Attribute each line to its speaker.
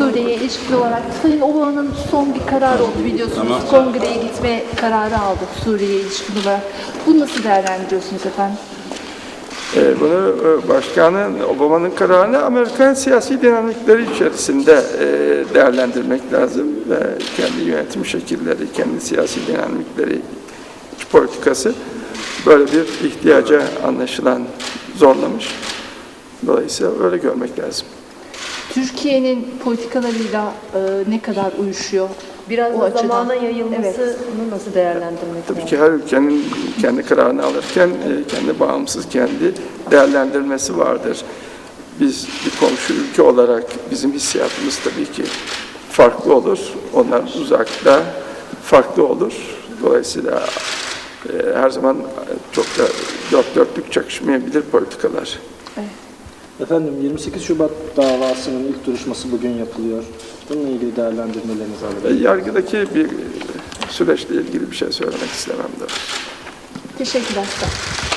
Speaker 1: Suriye'ye ilişkin olarak Sayın Obaman'ın son bir kararı oldu biliyorsunuz. Kongreye gitme kararı aldı Suriye'ye ilişkin olarak. Bunu nasıl değerlendiriyorsunuz efendim?
Speaker 2: Bunu Başkanın Obama'nın kararını Amerikan siyasi dinamikleri içerisinde değerlendirmek lazım. Ve kendi yönetim şekilleri, kendi siyasi dinamikleri, iç politikası böyle bir ihtiyaca anlaşılan zorlamış. Dolayısıyla öyle görmek lazım.
Speaker 1: Türkiye'nin politikalarıyla ne kadar uyuşuyor?
Speaker 3: Biraz
Speaker 1: O
Speaker 3: da
Speaker 1: açıdan.
Speaker 3: zamana yayılmasını
Speaker 1: Evet.
Speaker 3: nasıl değerlendirmek
Speaker 2: Tabii
Speaker 3: lazım?
Speaker 2: ki her ülkenin kendi kararını alırken kendi bağımsız, kendi değerlendirmesi vardır. Biz bir komşu ülke olarak bizim hissiyatımız tabii ki farklı olur. Onlar uzakta farklı olur. Dolayısıyla her zaman çok da dört dörtlük çakışmayabilir politikalar.
Speaker 4: Efendim 28 Şubat davasının ilk duruşması bugün yapılıyor. Bununla ilgili değerlendirmelerinizi alabilirim.
Speaker 2: Yargıdaki bir süreçle ilgili bir şey söylemek istemem de.
Speaker 1: Teşekkürler.